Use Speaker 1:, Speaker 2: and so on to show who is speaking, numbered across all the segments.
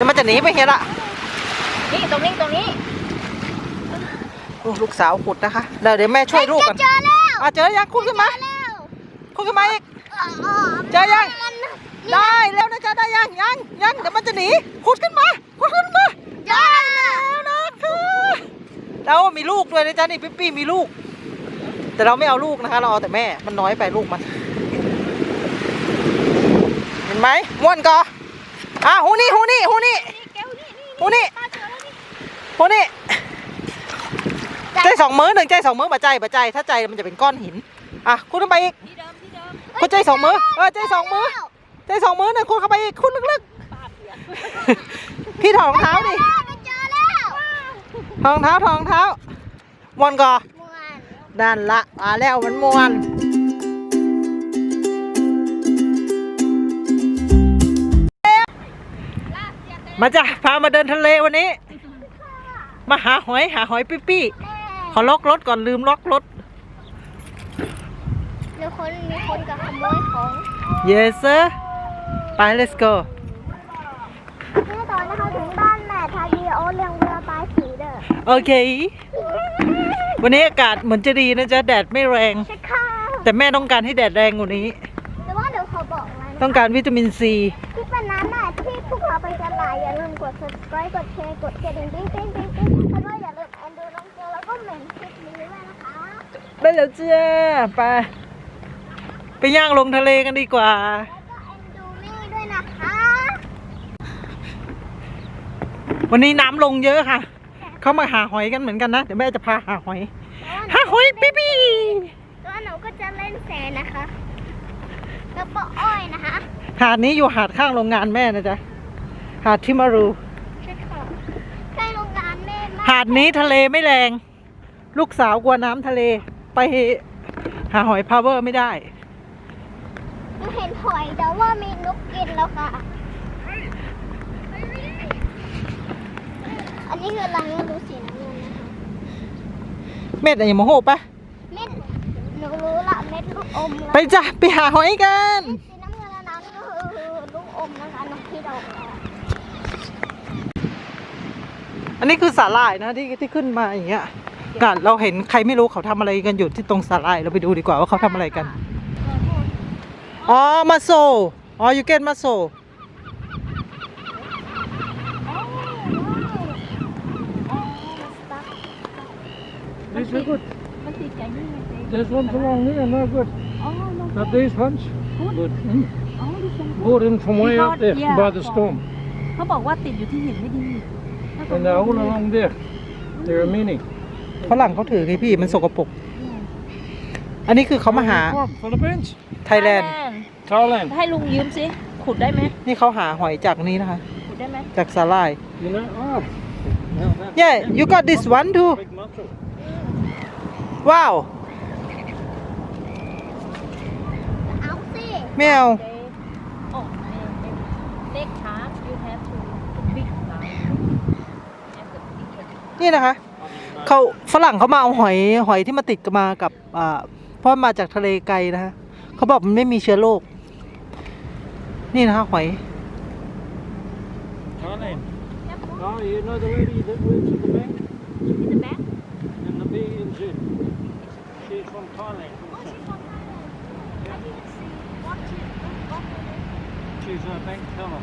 Speaker 1: มันจะหนีไปเห็นละ
Speaker 2: นี่ตรงนี้
Speaker 1: ลูกสาวขุดนะคะเดี๋ยวแม่ช่วยลูกกัน
Speaker 2: เจอแล้ว
Speaker 1: เจอยังขุดขึ้นมาขุดขึ้นมาอีกเจอยังได้แล้วนะจ๊ะได้ยังเดี๋ยวมันจะหนีขุดขึ้นมาได้แล้วนะคะแล้วมีลูกด้วยนะจ๊ะนี่ปี้มีลูกแต่เราไม่เอาลูกนะคะเราเอาแต่แม่มันน้อยไปลูกมันเห็นไหมม้วนกอหูนี่ใจสองมือหนึ่งใจสองมือมาใจถ้าใจมันจะเป็นก้อนหินคุณขึ้นไปอีกคุณใจสองมือใจสองมือหนึ่งคุณเข้าไปอีกคุณลึกๆพี่ถอดรองเท้าดิถอดรองเท้าม้วนกอด้านละแล้วมันม้วนมาจ้ะพามาเดินทะเลวันนี้มาหาหอยปี้ขอล็อกรถก่อนลืมล็อกรถ
Speaker 2: มีคนกับขโมยของ
Speaker 1: Yes sir ไป let's go
Speaker 2: นี่ตอนนะคะถึงบ้านแม่ทาดีโอเลี้ยงเวลาปลายสีเด้อ
Speaker 1: โอเควันนี้อากาศเหมือนจะดีนะจ๊ะแดดไม่แรง
Speaker 2: ใช่ค่ะ
Speaker 1: แต่แม่ต้องการให้แดดแรงกว่านี้
Speaker 2: แต่ว่าเดี๋ยวเขาบอกนะ
Speaker 1: ต้องการวิตามินซี
Speaker 2: ที่เป็นนั้นน่ะที่พวกเราไปกันหลายอย่าลืมกด subscribe กดแชร์กดกระดิ่งติ๊งแล้วก็อย่าลืมดูน้องเกลแล้วก็เหม็นคลิปนี้ด้วยนะคะ
Speaker 1: ได้แล้วจ้าไปย่างลงทะเลกันดีกว่า
Speaker 2: ดูนี่ด้วยนะคะ
Speaker 1: วันนี้น้ำลงเยอะค่ะเขามาหาหอยกันเหมือนกันนะเดี๋ยวแม่จะพาหาหอยปี้
Speaker 2: ตัวหนูก็จะเล่นแสนะคะแล้วก็อ้อยนะคะ
Speaker 1: หาดนี้อยู่หาดข้างโรงงานแม่นะจ๊ะหาดทิมารู
Speaker 2: ใช่ค่ะใกล้โรงงานแม่มาก
Speaker 1: หาดนี้ทะเลไม่แรงลูกสาวกลัวน้ำทะเลไปหาหอยพาวเวอร์ไม่ได้
Speaker 2: หนูเห็นหอยแต่ว่ามีนกกินแล้วค่ะอันนี้คืออะไรไม่รู้สีน้ำเงินนะคะ
Speaker 1: เม็ดอะไรโมโหปะ
Speaker 2: เม็ดหนูรู้ละเม็ดลูกอม
Speaker 1: ไปจ้ะไปหาหอยกัน
Speaker 2: สีน้ำเงินแล้วนั้นก็คือลูกอมนะคะนกที่ดอก
Speaker 1: อันนี้คือสาหร่ายนะที่ขึ้นมาอย่างเงี้ยกันเราเห็นใครไม่รู้เขาทำอะไรกันอยู่ที่ตรงสาหร่ายเราไปดูดีกว่าว่าเขาทำอะไรกันมาโซyou get มาโซ
Speaker 3: These are good. There's ones along there, no good. But these ones, good. Brought in from way out there by the storm.
Speaker 4: เขาบอกว่าติดอยู่ที่หินไม่ดี
Speaker 3: And they're all along there. They're a mini.
Speaker 1: ฝรั่งเขาถือไงพี่มันสกปรกอันนี้คือเขามาหา
Speaker 3: Philippines?
Speaker 1: ไทยแลนด์
Speaker 3: Thailand.
Speaker 4: ให้ลุงยืมสิขุดได้ไหม
Speaker 1: นี่เขาหาหอยจากนี้นะคะ
Speaker 4: ขุดได้ไหม
Speaker 1: จากสาหร่าย
Speaker 3: You know?
Speaker 1: Yeah you got this one too
Speaker 3: Big mussel.
Speaker 1: Wow
Speaker 2: เอาสิ
Speaker 1: แมว
Speaker 4: Big shark you have to big shark
Speaker 1: นี่นะคะเขาฝรั่งเขามาเอาหอยที่มาติดมากับเพราะมาจากทะเลไกลนะคะเขาบอกมันไม่มีเชื้อโรคนี่นะคะหอย
Speaker 3: Thailand. Oh, you know the lady that works at the bank?
Speaker 4: in the back
Speaker 3: In the BNZ. She's from Thailand. She's a bank teller.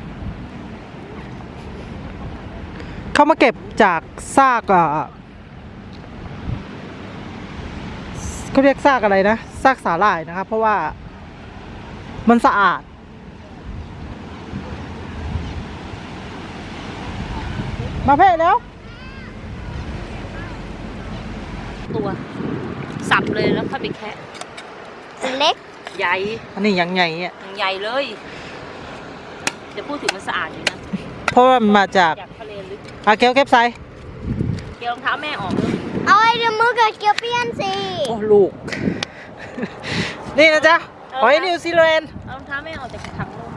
Speaker 1: เขามาเก็บจากซากเขาเรียกซากอะไรนะซากสาหร่ายนะครับเพราะว่ามันสะอาดมาเพ่แล้ว
Speaker 4: ตัวสับเลยแล้วค่อยไปแคะ
Speaker 2: เล็ก
Speaker 4: ใหญ่
Speaker 1: อันนี้ยังใหญ่อ่ะ
Speaker 4: ใหญ่เลยเดี๋ยวพูดถึงมันสะอาดอยู่นะ
Speaker 1: เพราะว่ามันมาจาก
Speaker 4: ทะเลลึก
Speaker 1: เก็บใส่
Speaker 4: เกี่ยวรองเท้าแม่ออกเลย
Speaker 2: เอาไอ้เดี๋ยวมือกับเกียวเปี้ยนสิ
Speaker 1: โอ้ลูกนี่นะจ๊ะหอยนิวซีแลนด์
Speaker 4: รองเท้าแม่ออกจากถังลม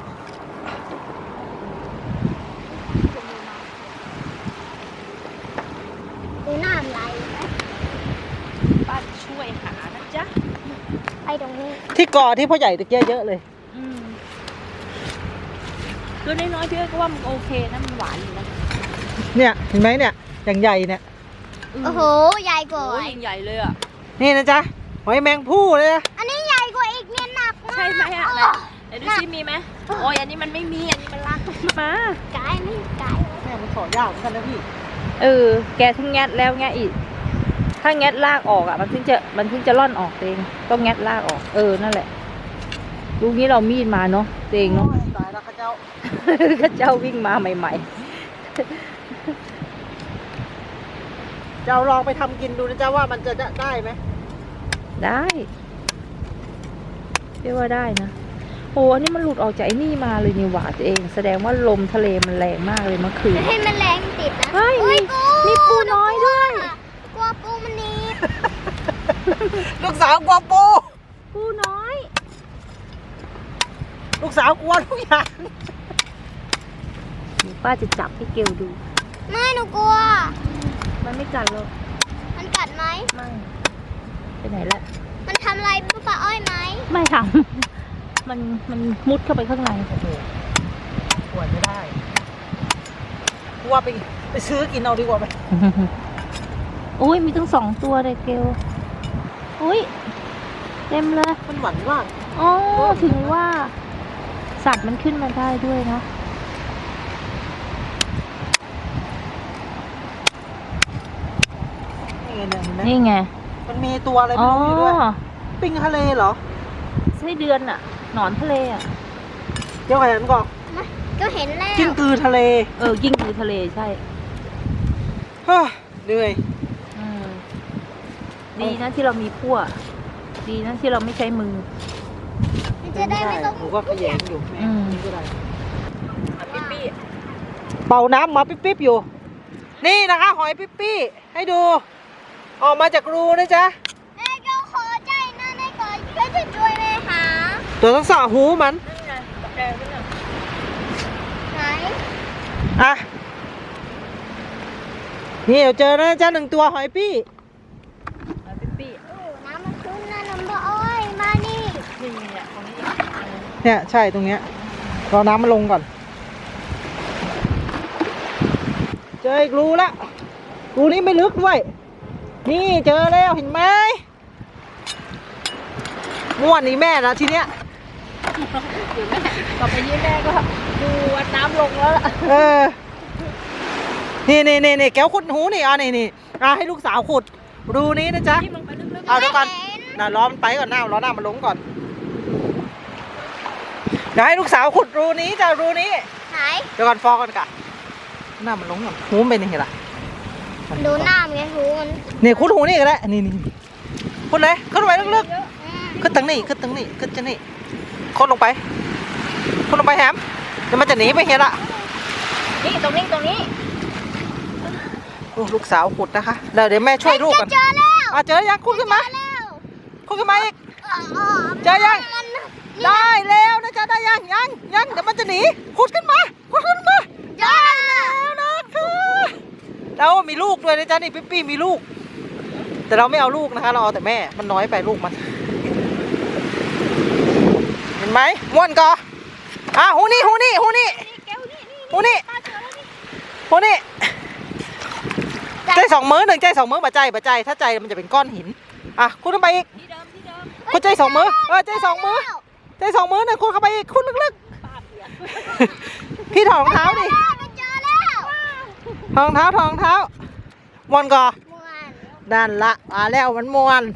Speaker 2: ดูน้ำไหลไหม
Speaker 4: ป้าช่วยหานะจ๊ะ
Speaker 2: ไปตรงนี้
Speaker 1: ที่เกาะที่พ่อใหญ่ตะเกียเยอะเลย
Speaker 4: ตัวน้อยๆพี่ก็ว่ามันโอเคนะมันหวานอยู่นะ
Speaker 1: เนี่ยเห็นไหมเนี่ยอย่างใหญ่เนี่ย
Speaker 2: โอ้โหใหญ่กว่า
Speaker 4: โอ้ยยิ่งใหญ่เลยอ่ะ
Speaker 1: นี่นะจ๊ะหอยแมงผู้เลยนะ
Speaker 2: อันนี้ใหญ่กว่าอีกเนี่ยหนักมาก
Speaker 4: ใช่ไหมอ่ะไหนไหนดูซิมีไหมโอ้ยอันนี้มันไม่มีอันนี้มันลากมา
Speaker 2: ไก่นี่ไก่
Speaker 1: แม่มันสอยากเหมือนกันนะพี่
Speaker 4: แกทั้งแงะแล้วแงะอีกถ้าแงะลากออกอ่ะมันถึงจะร่อนออกเองต้องแงะลากออกนั่นแหละลูกนี้เรามีดมาเนาะเองเนาะ
Speaker 1: ตายแล้วข้าเจ้า
Speaker 4: ข้าเจ้าวิ่งมาใหม่
Speaker 1: เจ้าลองไปทำกินดูนะจ๊ะว่ามันจะได้ไหม
Speaker 4: ๆได้เรียกว่าได้นะโอ้อันนี้มันหลุดออกจากไอ้นี่มาเลยนี่หว่าตัวเองแสดงว่าลมทะเลมันแรงมากเลยเมื่อคืน
Speaker 2: ให้มันแรงติดนะ
Speaker 4: เฮ้ย
Speaker 2: อุ๊ย
Speaker 4: มีปูน้อยด้วย
Speaker 2: กลัวปูมันหนีบ
Speaker 1: ลูกสาวกลัวปู
Speaker 4: ปูน้อย
Speaker 1: ลูกสาวกลัวทุกอย่าง
Speaker 4: เดี๋ยวป้าจะจับให้เกลดู
Speaker 2: ไม่หนูกลัว
Speaker 4: มันไม่กัดหรอก
Speaker 2: มันกัดไหม
Speaker 4: ไม่ไปไหนละ
Speaker 2: มันทำอะไรป้าอ้อยไหม
Speaker 4: ไม่ทำมันมุดเข้าไปข้างใน
Speaker 1: โอ้โหกลัวไม่ได้กลัวไปซื้อกินเอาดีกว่าไหม
Speaker 4: โอ้ยมีทั้ง2 ตัวเลยเกลอุ้ยเต็มเลย
Speaker 1: มันหวานมาก
Speaker 4: อ๋อถึงว่าสัตว์มันขึ้นมาได้ด้วยนะ
Speaker 1: นี่ไงเนี่ยเห็นไหม
Speaker 4: นี่ไง
Speaker 1: มันมีตัวอะไรไม่รู้อยู่ด้วยปิงทะเลเหรอ
Speaker 4: ไส้เดือนอะหนอนทะเลอะ
Speaker 1: เดี๋ยวก่อนก่อน
Speaker 2: ก็เห็นแล้ว
Speaker 1: กิ้งกือทะเล
Speaker 4: ยิ่งอยู่ทะเลใช่
Speaker 1: เฮ้ยเหนื่อย
Speaker 4: ดีนะที่เรามีพั่วดีนะที่เราไม่ใช้มือ
Speaker 2: มันจะได้ไม่ต้อง
Speaker 1: หนูก็ขยันอยู่แม่
Speaker 4: อืม
Speaker 1: นี่ก็ได้
Speaker 4: ปิ๊ปี้
Speaker 1: เป่าน้ำมาปิ๊บๆอยู่ นี่นะคะหอยปิ๊บๆให้ดู ออกมาจากรูนะจ๊ะ
Speaker 2: แม่ก็ขอใจนะในก่อนช่วยจะช่วยแม่หา
Speaker 1: ตัวต้องสาหูมัน
Speaker 4: นั่นไงตะแกรงนั่นน่ะ
Speaker 2: ไหน
Speaker 1: อ่ะ นี่เดี๋ยวเจอนะจ๊ะ1 ตัวหอยปี้
Speaker 4: ปิ๊ปี้
Speaker 2: โอ้น้ำมันขึ้นนะน้ำป้าอ้อยมานี่
Speaker 4: นี่เนี่ยตรงนี้
Speaker 1: เนี่ยใช่ตรงเนี้ยรอน้ำมันลงก่อน เจออีกรูละรูนี้ไม่ลึกด้วย นี่เจอแล้วเห็นไหมม่วนนี่แม่นะทีเนี้ย
Speaker 4: เดี๋ยวแม่ต่อไปนี้แม่ก็ดูวัดน้ำลงแล้วล่ะ
Speaker 1: เออ นี่แก้วขุดหูนี่นี่ให้ลูกสาวขุด รูนี้นะจ๊ะ
Speaker 4: ที่ลงไปลึก
Speaker 1: เอาเดี๋ยวก่อนน่ะล้อมันไปก่อนหน้ารอหน้ามันลงก่อน เดี๋ยวให้ลูกสาวขุดรูนี้จ้ะรูนี้
Speaker 2: ไหน
Speaker 1: เดี๋ยวก่อนฟอก่อนกะหน้ามันลงก่อนหูมันเป็นยังไงล่ะ
Speaker 2: ดูหน้ามันไงหูมัน
Speaker 1: นี่ขุดหูนี่ก็ได้นี่ขุดเลยขึ้นไปลึก
Speaker 2: อืม
Speaker 1: ๆขึ้นตั้งนี่ขึ้นตั้งนี่ขึ้นจะนี่ขุดลงไปแฮมเดี๋ยวมันจะหนีไปเห็นละ
Speaker 4: ๆนี่ตรงนี้
Speaker 1: โอ้ลูกสาวขุดนะคะเดี๋ยวแม่ช่วยลูกก่อน
Speaker 2: เจอแล้ว
Speaker 1: เจอยังขุดขึ้นมา
Speaker 2: เจอแล้ว
Speaker 1: ขุดขึ้นมาอีก
Speaker 2: อ๋อ
Speaker 1: เจอยัง
Speaker 2: มัน
Speaker 1: ได้แล้วนะจ๊ะได้ยังเดี๋ยวมันจะหนีขุดขึ้นมาได้แล้วนะคะแล้วมีลูกด้วยนะจ๊ะนี่ปิ๊มีลูก แต่เราไม่เอาลูกนะคะเราเอาแต่แม่มันน้อยไปลูกมัน เห็นไหมม้วนก่อหูนี่ใจ2 มื้อ1ใจ2 มื้อบ่ใจถ้าใจมันจะเป็นก้อนหินคุณขึ้นไปอีก
Speaker 4: ที่เดิม
Speaker 1: คุณใจ2 มื้อใจ2 มื้อใจ2 มื้อคุณเข้าไปอีกคุณลึกๆพี่ถอดรองเท้าดิ
Speaker 2: เจอแล้ว
Speaker 1: ถอดรองเท้าม้วนก่อ
Speaker 2: ม่วน
Speaker 1: นั่นละแล้วมันม้วน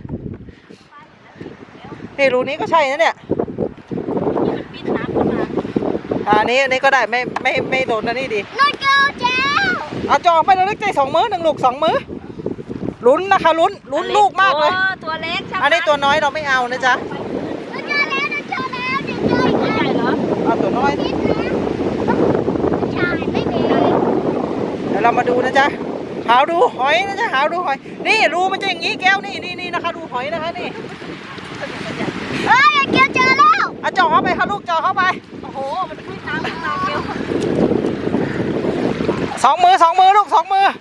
Speaker 1: นี่รูนี้ก็ใช่นะเนี่ย
Speaker 4: ปีนน้ำขึ้นมา
Speaker 1: อันนี้ก็ได้ไม่โดนนะนี่ดี
Speaker 2: น้อยเกิลเจ้า
Speaker 1: เอาจองไปเลยใจ2 มื้อ1 ลูก 2 มื้อลุ้นนะคะลุ้นลูกมากเลย
Speaker 4: ตัวเล็กใช่ไหม
Speaker 1: อันนี้ตัวน้อยเราไม่เอานะจ๊ะ
Speaker 2: เจอแล้วเจอแล้วเจออีก
Speaker 4: ตัวใหญ่เหรอ
Speaker 1: เอาตัวน้อย
Speaker 2: นิดนะใช่ไม่มี
Speaker 1: เดี๋ยวเรามาดูนะจ๊ะหาดูหอยนะจ๊ะหาดูหอยนี่รูมันจะอย่างนี้แก้วนี่นะคะดูหอยนะคะนี่
Speaker 2: เอ้ยเกียวเจอแล้ว
Speaker 1: เอาจ่อเข้าไปค่ะลูกจ่อเข้าไป
Speaker 4: โอ้โหมันขึ้นน้ำขึ้นมาเกลียว
Speaker 1: 2 มือลูก2 มือ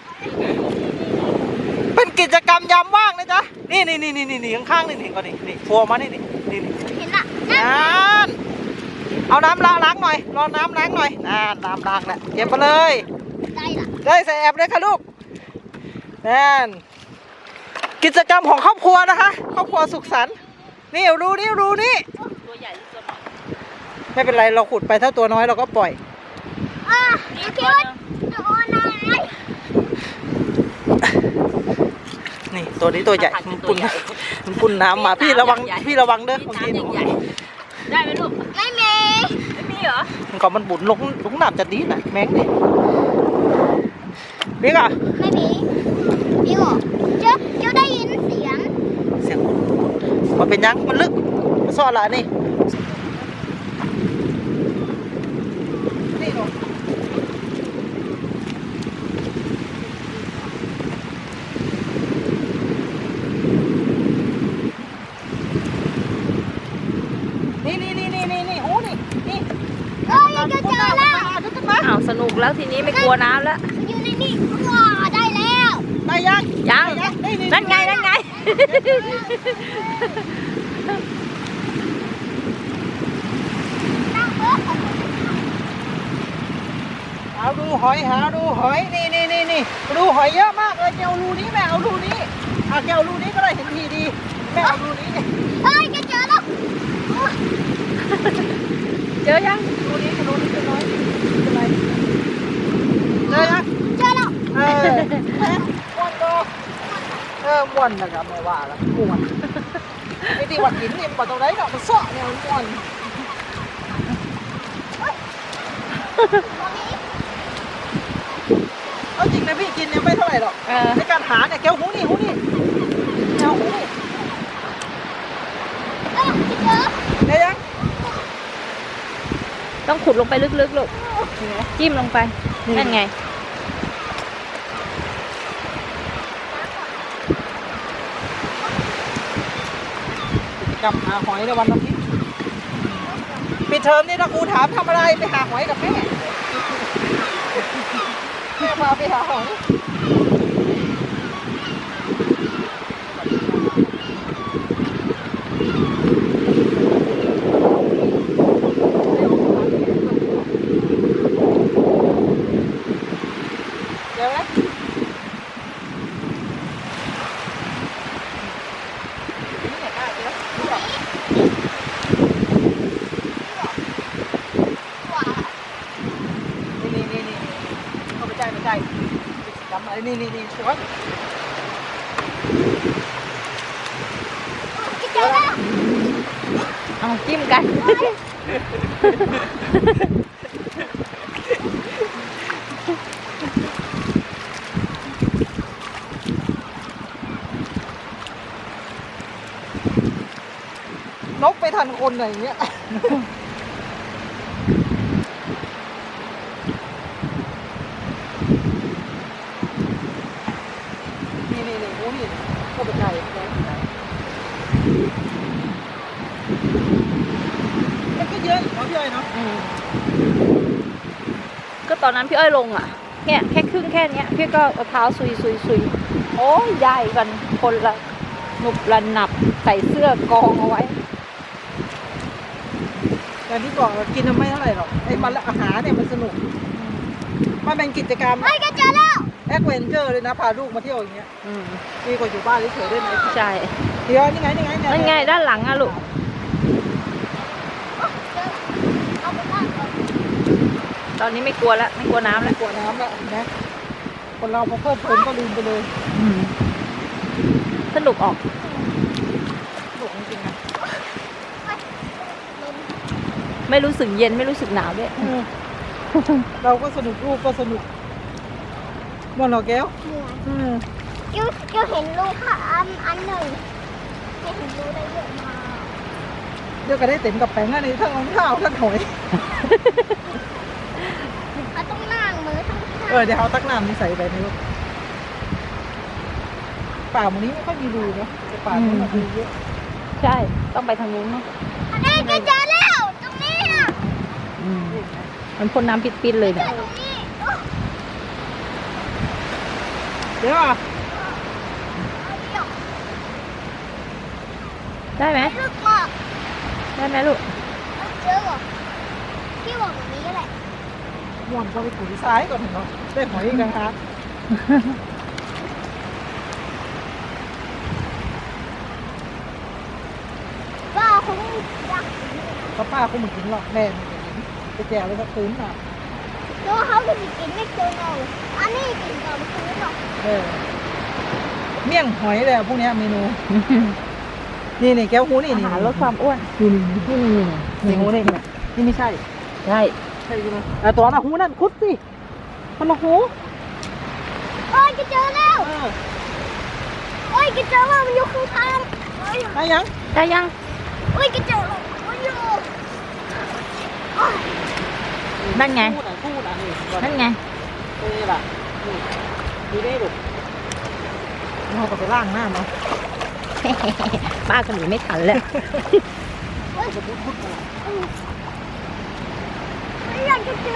Speaker 1: เป็นกิจกรรมยามว่างนะจ๊ะนี่ข้างๆนี่ก่อนนี่ฟัวมานี่
Speaker 2: เห็นละ
Speaker 1: นั่นเอาน้ำล้างหน่อยรอน้ำล้างหน่อยน้ำล้างแหละเก็บมาเลย
Speaker 2: ได้ละ
Speaker 1: ได้ใส่แอบเลยค่ะลูกนั่นกิจกรรมของครอบครัวนะคะ ครอบครัวสุขสันต์นี่รูนี่
Speaker 4: ตัวใหญ่ที่สุด
Speaker 1: ไม่เป็นไรเราขุดไปถ้าตัวน้อยเราก็ปล่อย
Speaker 2: คิดว่าโดนอะไร
Speaker 1: นี่ตัวนี้ตัวใหญ่มันปุ่นน้ำมาพี่ระวังเด้อบางทีหนู
Speaker 4: ได้ไหมลูก
Speaker 2: ไม่มี
Speaker 4: ไม่มีเหรอ
Speaker 1: มันก็มันบุญลงน้ำจะดีนะแม็กนี่บิ๊กอ่ะ
Speaker 2: ไม่มีพี่บอกเจ้าได้ยินเสียง
Speaker 1: เสียงมันเป็นยังมันลึกมันซ่อนละนี่นี่หนูนี่โอ้นี่
Speaker 2: ยังจะเจอแล้ว
Speaker 4: อ้าวสนุกแล้วทีนี้ไม่กลัวน้ำแล้ว
Speaker 2: อยู่ในนี่ว้าได้แล้ว
Speaker 1: ได้ยัง
Speaker 4: ยังนั่นไง
Speaker 1: หาดูหอยนี่ดูหอยเยอะมากเลยแกเอารูนี้แม่เอารูนี้แกเอารูนี้ก็ได้เห็นทีดีแม่เอารูนี้
Speaker 2: เฮ้ยจะเจอแล้ว
Speaker 4: เจอยัง
Speaker 1: รูนี้เป็นน้อยเป็นไรเจอยัง
Speaker 2: เจอแล้ว
Speaker 1: ม่วนก็ม่วนนะครับไม่ว่าแล้วม่วนไอ้ที่วัดหินนี่มันตรงไหนเนาะมันเสาะเนี่ยมันม่วนเอาจริงนะพี่กินเนี่ยไม่เท่าไหร่หรอกในการหาเนี่ยแก้วหูนี่แก้วหูนี่
Speaker 2: เจอ
Speaker 1: ได้ยัง
Speaker 4: ต้องขุดลงไปลึกๆลูกจิ้มลงไปนั่นไง
Speaker 1: กิจกรรมหาหอยในวันอาทิตย์ปิดเทอมนี่ถ้าครูถามทำอะไรไปหาหอยกับแม่แม่พาไปหาหอยเดี๋ยวนะนี่เขาไม่ใช่กิจกรรมอะไรนี่สวย
Speaker 2: เจอแล้ว
Speaker 4: เอาจิ้มกัน
Speaker 1: นกไปทันคนอะไรอย่างเงี้ยนี่โอ้นี่เข้าไปใจมันก็เยอะอยู่เนาะพี่อ้อยเนาะ
Speaker 4: ก็ตอนนั้นพี่อ้อยลงอ่ะเนี่ยแค่ครึ่งแค่เนี้ยพี่ก็เอาเท้าซุยโอ้ยใหญ่กันคนละหนุบละหนับใส่เสื้อกองเอาไว้
Speaker 1: แต่ที่บอกเรากินไม่เท่าไหร่หรอกไอ้มันอาหารเนี่ยมันสนุกมันเป็นกิจกรรม
Speaker 2: เฮ้ยจะเจอแล้ว
Speaker 1: แอดเวนเจอร์เลยนะพาลูกมาเที่ยวอย่างเงี้ยดีกว่าอยู่บ้านเฉยๆได้ไหม
Speaker 4: ใช่
Speaker 1: เดี๋ยวนี่ไง
Speaker 4: นั่นไงด้านหลังอะลูก
Speaker 2: เอาไปบ้านก่อน
Speaker 4: ตอนนี้ไม่กลัวแล้วไม่กลัวน้ำแล้ว
Speaker 1: กลัวน้ำแล้วนะคนเราพอเพิ่มเพลินก็ลืมไปเลย
Speaker 4: สนุกออก
Speaker 1: สนุกจริงๆนะ
Speaker 4: ไม่รู้สึกเย็นไม่รู้สึกหนาวด้วย
Speaker 1: เราก็สนุกลูกก็สนุกม่วนเหรอแก้ว
Speaker 2: เกี่ยวเห็นลูกค่ะอันหนึ่งเห็นลูกได้เยอะมาก
Speaker 1: เดี๋ยวก็ได้เต็มกับแป้งอันนี้ทั้งรองเท้าทั้งหอย
Speaker 2: มันต้องนั่งมือทั้งข้าง
Speaker 1: เดี๋ยวเอาตักน้ำนี่ใส่ไปในลูกป่ามันนี้ไม่ค่อยมีรูเนาะแต่ป่ามันมีรูเยอะ
Speaker 4: ใช่ต้องไปทางนู้นเนาะ
Speaker 2: เอ้ยจะเจอแล้วตรงนี้อ่ะ
Speaker 4: มันพ่นน้ำปิดๆเลยเนี่ย
Speaker 2: ตรงนี้
Speaker 1: เดี๋ยวอ่ะ
Speaker 4: ได้ไหม
Speaker 2: ลึกมาก
Speaker 4: ได้ไหมลูก
Speaker 2: เจอเหรอ
Speaker 1: ม่วนก็ไปขุดซ้ายก่อนเนาะได้หอยอีกนะครับ
Speaker 2: ป้าคงอยาก
Speaker 1: ก็ป้าคงไม่กินหรอกแม่ไม่กินไปแจวเลยก็คืนอ่ะ
Speaker 2: ตัวเขาจะกินไม่เจอเราอันนี้กินก่อนคือหรอก
Speaker 1: เมี่ยงหอยเลยพวกเนี้ยเมนู นี่แก้วหูนี่
Speaker 4: อา
Speaker 1: นี่
Speaker 4: หารลดความอ้วน
Speaker 1: นี่หูนี่นี่ไม่ใช่
Speaker 4: ใช่
Speaker 1: ใช่ไหมตัวน่ะหูนั่นคุดสิมันละหู
Speaker 2: โอ้ยจะเจอแล้วโอ้ยจะเจอว่ามันอยู่ข้างทางโอ้ย
Speaker 1: ได้ยัง
Speaker 4: ได้ยัง
Speaker 2: โอ้ยจะเจอแล้วมันอยู่
Speaker 4: นั่นไง
Speaker 1: พูดอ่ะนี่
Speaker 4: นั่นไง
Speaker 1: นี่ล่ะนี่ดูได้ดูเราก็ไปล่างหน้าเนาะ
Speaker 4: ป้าก็หนีไม่ทันแล้ว
Speaker 2: ไม่อยากจะเจอ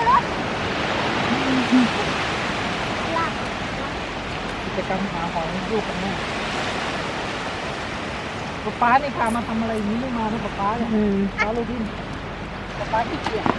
Speaker 1: กิจกรรมหาหอยลูกกันแม่ป๊านี่พามาทำอะไรอย่างนี้ไม่มานะป๊าเนี่ย ป๊าโรบินป๊าขี้เกียจ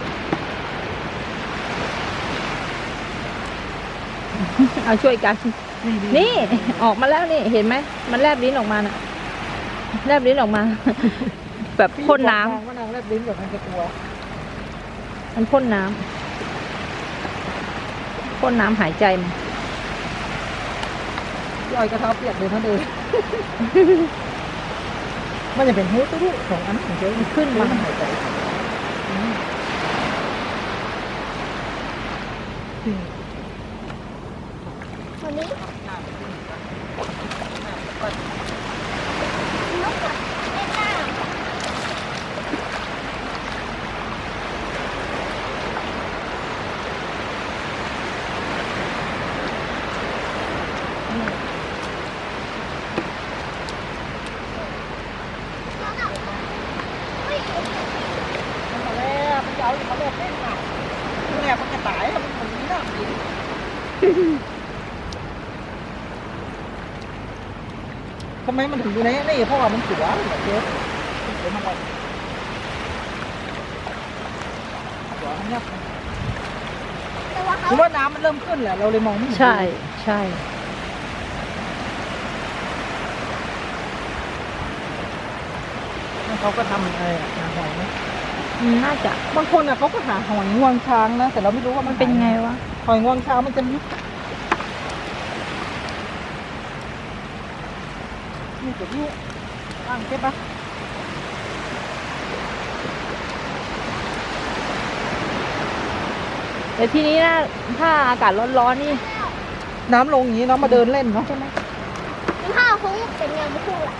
Speaker 4: เอาช่วยกัน นี่ออกมาแล้วนี่เห็นไหมมันแลบลิ้นออกมาน่ะแลบลิ้นออกมา แบบพ่นน้ำ
Speaker 1: ว่านางแลบลิ้นแบบมันจะกลัว
Speaker 4: มันพ่นน้ำพ่นน้ำหายใจมัน
Speaker 1: ย่อยกระเท้าเปียกเลยนั่นเอง มันจะเป็นหูตุ้ๆของอันของเจ้า
Speaker 4: ขึ้นมา
Speaker 1: หายใจ
Speaker 2: วันนี้นกอะเล่นน้ำ
Speaker 1: มันมาแล้วมันจะเอาอยู่มาแล้วเล่นหนักมันแหลกมันจะตายแล้วมันเหมือนน้ำดินทำไมมันถึงอยู่ในนี่เพราะว่ามันสวยแบบเจ๊เดี๋ยวมันออกสวยมันยับ
Speaker 2: แต่ว่าเขา
Speaker 1: คือว่าน้ำมันเริ่มขึ้นแหละเราเลยมองไม่เห็น
Speaker 4: ใช่ใช่
Speaker 1: เขาก็ทำอะไรอะหาหอยไหม
Speaker 4: น่าจะ
Speaker 1: บางคนอ่ะเขาก็หาหอยงวงช้างนะ แต่เราไม่รู้ว่ามัน
Speaker 4: เป็นไงวะ
Speaker 1: หอยงวงช้างมันจะลึกนี่ตัวนี้อ่างเก็บปะ
Speaker 4: แต่ทีนี้นะถ้าอากาศร้อนๆนี่
Speaker 1: น้ำลงอย่างนี้เนาะมาเดินเล่นเนาะใช่ไหม
Speaker 2: ถ้าคงเป็นยังไม่ถูกอ่ะ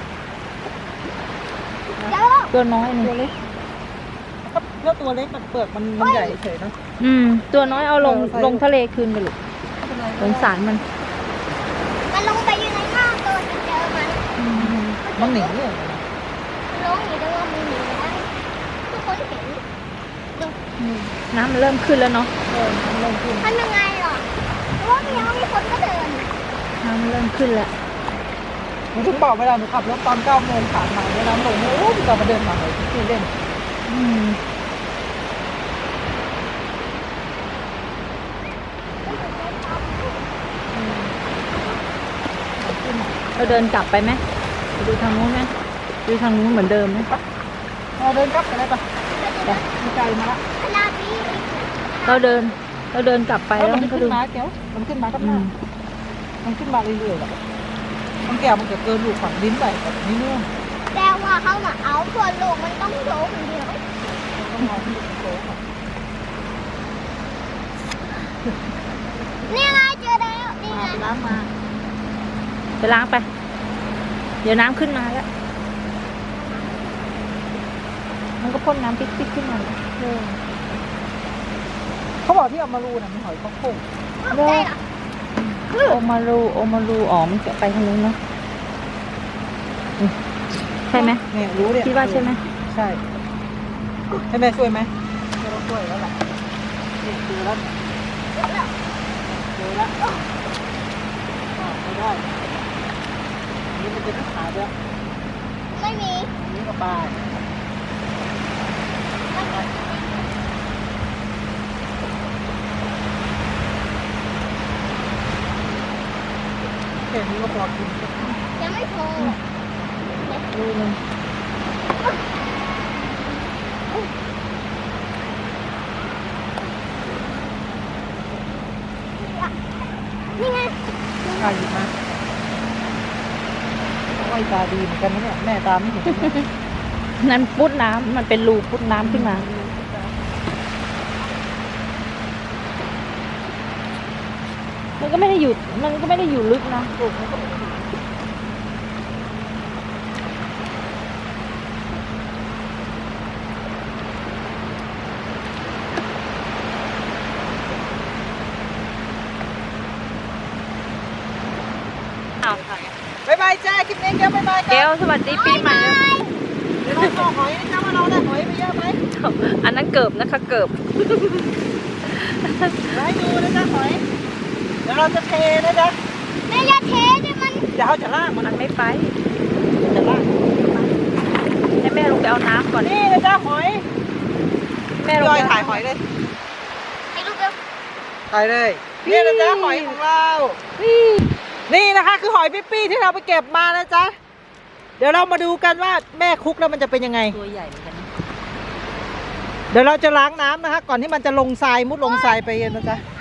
Speaker 2: เดี๋ยว
Speaker 4: ตัวน้อยนี่
Speaker 1: ตัวเล็กแล้วตัวเล็กมันเปลือกมันใหญ่เฉยเนาะ
Speaker 4: ตัวน้อยเอาลง
Speaker 1: ใส่
Speaker 4: ลงทะเลคืนไปลูกสงสารมัน
Speaker 2: มันลงไปอยู่ในน้ำตัวจะเจอมัน
Speaker 1: มันหนีเนี่ย
Speaker 2: มันลงอยู่แต่ว่ามันหนีแล้วทุกคนเห็น
Speaker 4: น้ำมันเริ่มขึ้นแล้วเนาะ
Speaker 1: มันลงขึ้น
Speaker 2: ทำยังไงหรอเพราะว่ามีคนก็เดิน
Speaker 4: น้ำมันเริ่มขึ้นแล้ว
Speaker 1: หนูถึงบอกเวลาหนูขับรถตอน9 โมงผ่านมาเนี่ยน้ำลงเนี่ยโอ้พี่จะมาเดินมาเลยที่เล่น
Speaker 4: เราเดินกลับไปไหมไปดูทางนู้นไหมดูทางนู้นเหมือนเดิมไหม
Speaker 1: เราเดินกลับไปเลยปะมีไกลมาละ
Speaker 2: ขนาดนี้
Speaker 4: เราเดินกลับไป
Speaker 1: แล้ว
Speaker 4: แล้ว
Speaker 1: มัน
Speaker 4: ก็
Speaker 1: ขึ้
Speaker 4: ดู
Speaker 1: นมาเดี๋ยวมันขึ้นมาก็หน้ามันขึ้นมาเรื่อยๆแบบมันแก่มันจะเกินลูกฝั่งลิ้นไปแบบนี้เนื่อง
Speaker 2: แต่ว่าเขามาเอาส่วนลูกมันต้องโดนคนเดียว
Speaker 1: ต้องมองที่โต๊ะ
Speaker 2: นี่ไงเจอแล้วนี่ไง
Speaker 1: น้ำมา
Speaker 4: ไปล้างไป เดี๋ยวน้ำขึ้นมาแล้ว มันก็พ่นน้ำปิ๊กๆขึ้นมาเลย
Speaker 1: เขาบอกที่เอามารูน่ะมีหอยข้าวโพด
Speaker 2: ได้เหรอ
Speaker 4: โอมารูอ๋อมันจะไปทางนู้นเนาะใช่ไหม
Speaker 1: เนี่ยรู้เนี่ย
Speaker 4: คิดว่าใช่ไหม
Speaker 1: ใช่ให้แม่ช่วยไหมไม่ต้องช่วยแล้วแหละนี่เจอแล้วเจอแล้วไม่ได้นี่มันจะไม่ขาดแล้ว
Speaker 2: ไม่มี
Speaker 1: นี่ก็ปลาแค่นี้ก็พอกิน
Speaker 2: ยังไม่พอ
Speaker 4: ดูนึง
Speaker 2: นี่ไง
Speaker 1: ใครหยิบมาโอ้ยตาดีเหมือนกันนะเนี่ยแม่ตาไม่เห็น
Speaker 4: นั่นพุดน้ำมันเป็นรูพุดน้ำขึ้นมา มันก็ไม่ได้อยู่ลึกนะ
Speaker 1: บ๊ายบายจ้าคลิปนี้เดี๋ยวบ๊ายบาย
Speaker 4: แก้วสวัสดีปีใหม่เลย
Speaker 1: เดี๋ยวเราต่อหอยนะจ๊ะว่าเราได้หอยไปเยอะไหม
Speaker 4: อันนั้นเกิบนะคะเกิบ
Speaker 1: เดี๋ยวให้ดูนะจ๊ะหอยเดี๋ยวเราจะเทนะจ๊ะ
Speaker 2: แม่อย่าเทดิมัน
Speaker 1: เดี๋ยวเขาจะล่างมัน
Speaker 4: มันไม่ไป
Speaker 1: จะล่าง
Speaker 4: ให้แม่ลงไปเอาน้ำก่อน
Speaker 1: นี่นะจ๊ะหอย
Speaker 4: แม่ลง
Speaker 1: ย่
Speaker 4: ไป
Speaker 1: อยถ่ายหอยเลย
Speaker 2: ให้ลูกเร็ว
Speaker 1: ถ่ายเลยนี่นะจ๊ะหอยของเรา นี่นะคะคือหอยปิ๊ปี้ที่เราไปเก็บมานะจ๊ะ เดี๋ยวเรามาดูกันว่าแม่คุกแล้วมันจะเป็นยังไง
Speaker 4: ตัวใหญ่เหมือนกันนะ
Speaker 1: เดี๋ยวเราจะล้างน้ำนะคะ ก่อนที่มันจะลงทรายมุดลงทรายไปนะจ๊ะ
Speaker 2: เ